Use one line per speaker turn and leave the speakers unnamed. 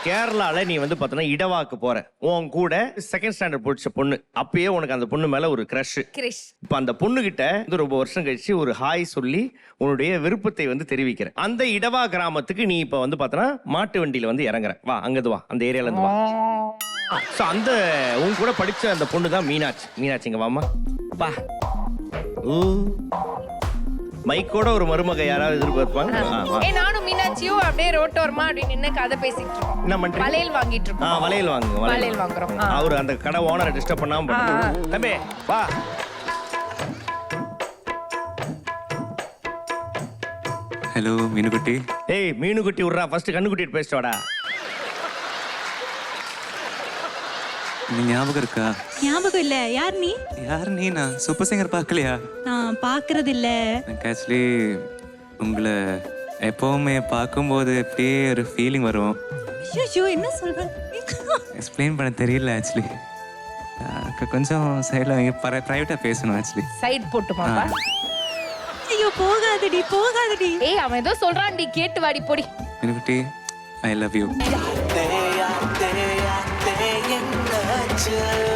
கேரளால நீ வந்து பார்த்தனா இடவாக்கு போற உன் கூட செகண்ட் ஸ்டாண்டர்ட் படிச்ச பொண்ணு அப்பயே உனக்கு அந்த பொண்ணு மேல ஒரு கிரஷ்.
இப்ப
அந்த பொண்ணு கிட்ட வந்து ரொம்ப வருஷம் கழிச்சு ஒரு ஹாய் சொல்லி உன்னுடைய விருப்பத்தை வந்து தெரிவிக்கிற. அந்த இடவா கிராமத்துக்கு நீ இப்ப வந்து பார்த்தனா மாட்டு வண்டியில வந்து இறங்குற. வா அங்கது வா, அந்த ஏரியால இருந்து வா. சோ அந்த உன் கூட படிச்ச அந்த பொண்ணு தான் மீனாட்சி. மீனாட்சிங்க வாமா வா. மைக்கோட ஒரு மருமக யாராவது எதிர்பார்ப்பாங்க.
நானும் மீனாட்சியும் அப்படியே ரோட்டோரமா அப்படி நின்னு கதை பேசிட்டு இருக்கோம்.
என்ன பண்றீங்க?
வளையல் வாங்கிட்டு இருக்கோம்.
வளையல் வாங்குங்க.
வளையல் வாங்குறோம்.
அவர் அந்த கடை ஓனரை டிஸ்டர்ப் பண்ணாம பண்ணுங்க. தம்பி வா.
ஹலோ மீனுக்குட்டி.
ஏய் மீனுக்குட்டி விட்றா, ஃபர்ஸ்ட் கண்ணுக்குட்டி பேசிட்டு வாடா.
நீ ஞாபகம் இருக்கா?
ஞாபகம் இல்ல. யார் நீ?
யார் நீ? நான் சூப்பர் சிங்கர் பார்க்கலையா?
நான் பார்க்கறது இல்ல.
எனக்கு ஆக்சுவலி உங்களை எப்பவுமே பார்க்கும்போது அப்படியே ஒரு ஃபீலிங் வரும்.
ஐயோ என்ன சொல்ற?
எக்ஸ்பிளைன் பண்ண தெரியல ஆக்சுவலி. கொஞ்சம் சைடில் ப்ரைவேட்டாக பேசணும் ஆக்சுவலி.
சைட் போட்டுமாப்பா?
ஐயோ போகாதடி போகாதடி.
ஏய் அவன் ஏதோ சொல்றான்டி, கேட்டு வாடி போடி.
மீனுக்குட்டி ஐ லவ் யூ.